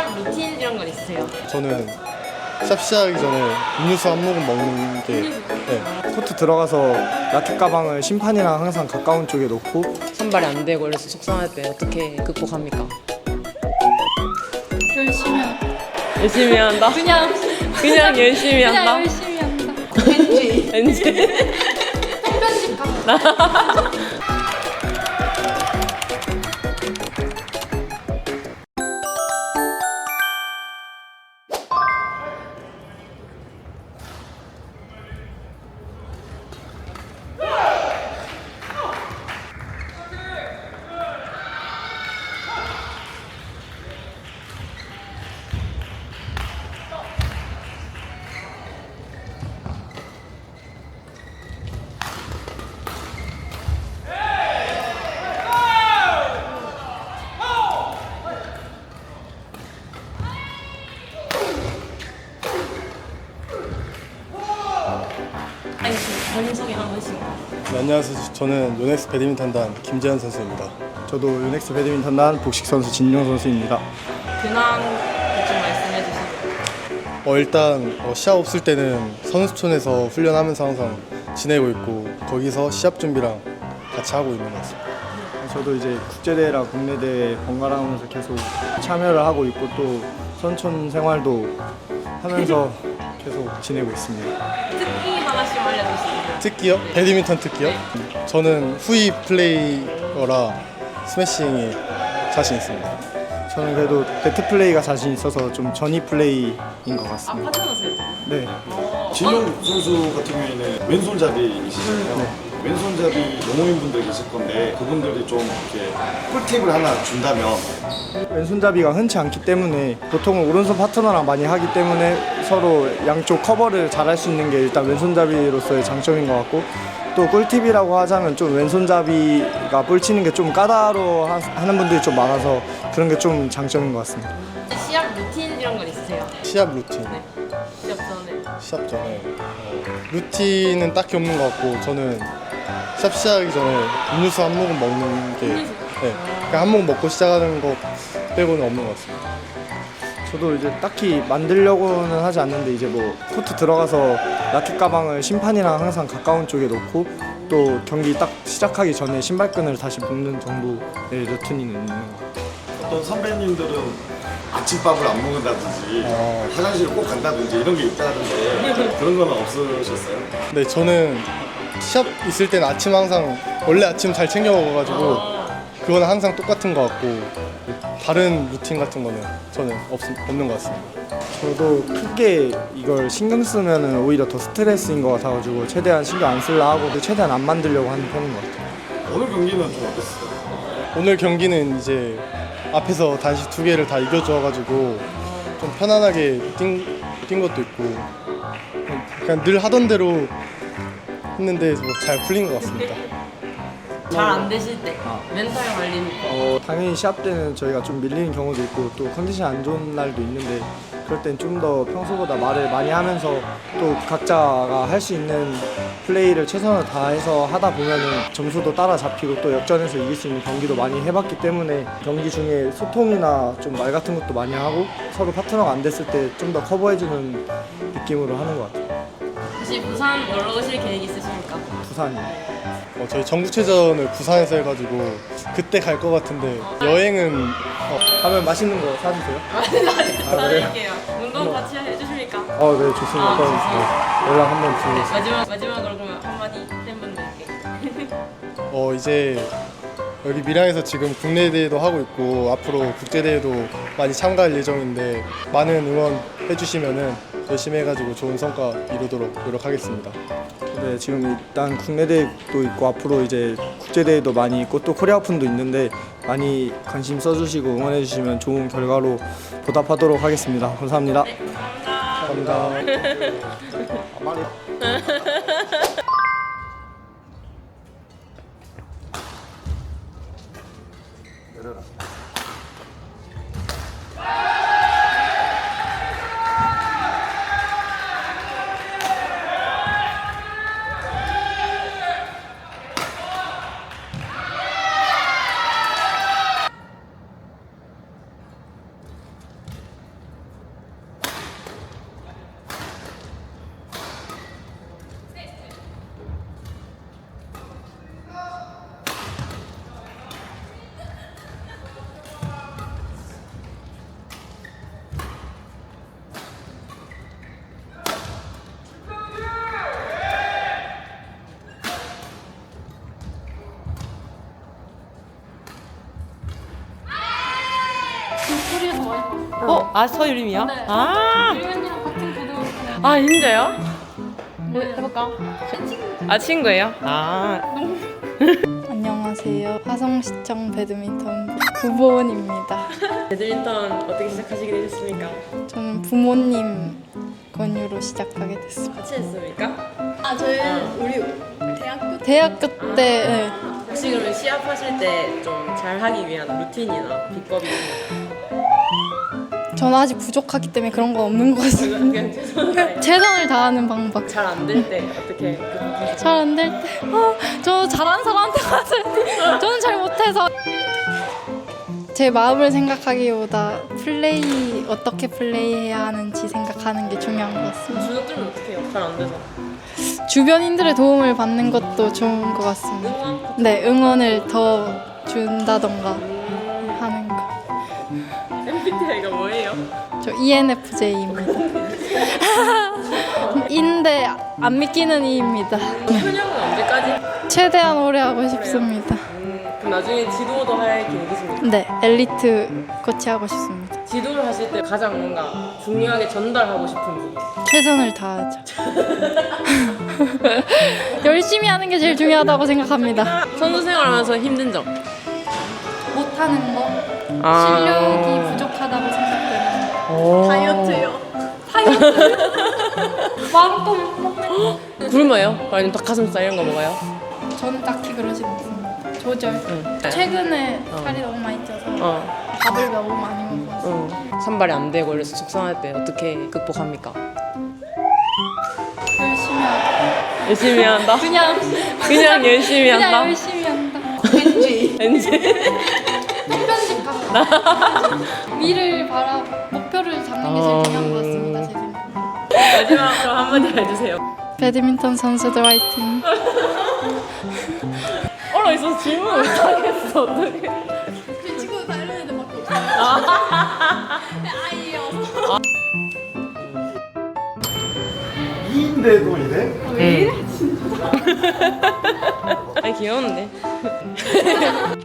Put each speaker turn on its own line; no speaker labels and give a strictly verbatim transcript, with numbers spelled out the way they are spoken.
시합 루틴 이런 건 있으세요?
저는 시합 시작하기 전에 음료수 한 모금 먹는 게 네.
코트 들어가서 라켓 가방을 심판이랑 항상 가까운 쪽에 놓고
선발이 안 되고 이래서 속상할 때 어떻게 극복합니까?
열심히 한다.
열심히 한다?
그냥
그냥 열심히
그냥
한다?
열심히 한다.
왠지
왠지
편집 가.
아니 본인 소개 한 번씩.
네, 안녕하세요. 저는 요넥스 배드민턴단 김재현 선수입니다.
저도 유넥스 배드민턴단 복식 선수 진용 선수입니다.
근황 좀 말씀해 주시죠.
어, 일단 어, 시합 없을 때는 선수촌에서 훈련하면서 항상 지내고 있고 거기서 시합 준비랑 같이 하고 있는 것 같습니다.
저도 이제 국제대회랑 국내대회 번갈아 가면서 계속 참여를 하고 있고 또 선촌 생활도 하면서 계속 지내고 있습니다.
특기 하나씩 알려주시죠.
특기요? 배드민턴 특기요? 저는 후위 플레이어라 스매싱이 자신 있습니다.
저는 그래도 네트 플레이가 자신 있어서 좀 전위 플레이인 것
아
같습니다.
파트너세요?
네.
진용 선수 같은 경우에는 왼손잡이이시잖아요. 왼손잡이 농구인분들 계실 건데 그분들이 좀 이렇게 꿀팁을 하나 준다면
왼손잡이가 흔치 않기 때문에 보통은 오른손 파트너랑 많이 하기 때문에 서로 양쪽 커버를 잘할 수 있는 게 일단 왼손잡이로서의 장점인 것 같고 또 꿀팁이라고 하자면 좀 왼손잡이가 볼 치는 게 좀 까다로워 하- 하는 분들이 좀 많아서 그런 게 좀 장점인 것 같습니다.
시합 루틴 이런 건 있으세요?
시합 루틴.
네. 시합 전에.
시합 전에 어, 루틴은 딱히 없는 것 같고 저는 시합 시작하기 전에 음료수 한 모금 먹는 게
음료수?
네, 그냥 한 모금 먹고 시작하는 거 빼고는 없는 것 같습니다.
저도 이제 딱히 만들려고는 하지 않는데 이제 뭐 코트 들어가서 라켓 가방을 심판이랑 항상 가까운 쪽에 놓고 또 경기 딱 시작하기 전에 신발끈을 다시 묶는 정도의 루틴이 있는 것 같아요.
어떤 선배님들은 아침밥을 안 먹는다든지
어.
화장실을 꼭 간다든지 이런 게 있다던데 그런 건 없으셨어요?
네, 저는 시합 있을 때는 아침 항상 원래 아침 잘 챙겨 먹어가지고 그거는 항상 똑같은 것 같고 다른 루틴 같은 거는 저는 없, 없는 것 같습니다.
저도 크게 이걸 신경 쓰면 오히려 더 스트레스인 것 같아가지고 최대한 신경 안 쓰려 하고 최대한 안 만들려고 하는 편인 것 같아요.
오늘 경기는 좀 어땠어요?
오늘 경기는 이제 앞에서 단식 두 개를 다 이겨줘가지고 좀 편안하게 뛴, 뛴 것도 있고 그냥 늘 하던 대로 했는데 뭐 잘 풀린 것 같습니다.
잘 안 되실 때 멘탈 관리는
어, 당연히 시합 때는 저희가 좀 밀리는 경우도 있고 또 컨디션 안 좋은 날도 있는데 그럴 땐 좀 더 평소보다 말을 많이 하면서 또 각자가 할 수 있는 플레이를 최선을 다해서 하다 보면은 점수도 따라잡히고 또 역전해서 이길 수 있는 경기도 많이 해봤기 때문에 경기 중에 소통이나 좀 말 같은 것도 많이 하고 서로 파트너가 안 됐을 때 좀 더 커버해주는 느낌으로 하는 것 같아요.
혹시 부산 놀러 오실 계획 있으십니까?
부산이.
어, 저희 전국체전을 부산에서 해가지고 그때 갈 것 같은데 여행은 어,
가면 맛있는 거 사주세요.
사드릴게요. 운동 같이 해주십니까?
어, 네, 좋습니다.
아,
그럼
좋습니다.
네, 연락 한번 드리겠습니다.
마지막 마지막으로 그러면 한마디 팬분들께.
어, 이제 여기 밀양에서 지금 국내 대회도 하고 있고 앞으로 국제 대회도 많이 참가할 예정인데 많은 응원 해주시면은 열심히 해가지고 좋은 성과 이루도록 노력하겠습니다.
네, 지금 일단 국내 대회도 있고 앞으로 이제 국제 대회도 많이 있고 또 코리아 오픈도 있는데 많이 관심 써주시고 응원해 주시면 좋은 결과로 보답하도록 하겠습니다. 감사합니다.
네, 감사합니다.
감사합니다. 아, 말이.
내려라.
어? 아 서유림이요?
네.
아,
유연이랑 같은 고등학교.
아 진짜요? 해- 해볼까? 아 친구예요? 아
안녕하세요. 화성시청 배드민턴 부보원입니다.
배드민턴 어떻게 시작하시게 되셨습니까?
저는 부모님 권유로 시작하게 됐습니다.
같이 했습니까?
아 저희는 우리 대학교
대학교 때 네.
혹시 그러면 시합하실 때 좀 잘하기 위한 루틴이나 비법이 있나요?
저는 아직 부족하기 때문에 그런 건 없는 것 같습니다.
그냥 최선을 다해
최선을 다하는 방법.
잘안 될 때 어떻게 극복하세요?
잘 안 될 때, 어, 저 잘하는 사람한테 갔을 때 저는 잘 못해서 제 마음을 생각하기보다 플레이 어떻게 플레이해야 하는지 생각하는 게 중요한 것 같습니다.
주눅 들면 어떻게 해요? 잘 안 돼서
주변인들의 도움을 받는 것도 좋은 것 같습니다.
응원?
네, 응원을 더 준다던가 하는 거.
엠비티아이가 뭐예요?
저 이엔에프제이입니다. 인데 안 믿기는 이입니다.
현역은 언제까지?
최대한 오래 하고 싶습니다.
음, 그럼 나중에 지도도 할 계획이십니까?
네, 엘리트 코치하고 싶습니다.
지도를 하실 때 가장 뭔가 중요하게 전달하고 싶은 부분
최선을 다하죠. 열심히 하는 게 제일 중요하다고 생각합니다.
선수 생활하면서 힘든 점?
못하는 거,
아.
실력이 부족하다고 생각되는 거.
다이어트요.
마음껏 먹는
굶어요? 아니면 닭가슴살 이런 거 먹어요?
저는 딱히 그러진 않습니다. 조절.
응.
최근에 살이 너무 많이 쪄서
어.
밥을 너무 많이 먹어서
응. 산발이 안 되고 이래서 속상할 때 어떻게 극복합니까?
열심히 하고
열심히 한다?
그냥
그냥 열심히
그냥
한다?
열심히 한다.
엔지.
왠지
편집하고 미를 바라 목표를 잡는 게 제일 중요한 것 같습니다. 제 생각.
마지막으로 한마디 해주세요.
배드민턴 선수들 화이팅.
얼어 있어서 질문 못하겠어 어떡해.
그 친구 다른 애들밖에 없어요. 아이여서.
이인데도 이래?
아니 귀여운데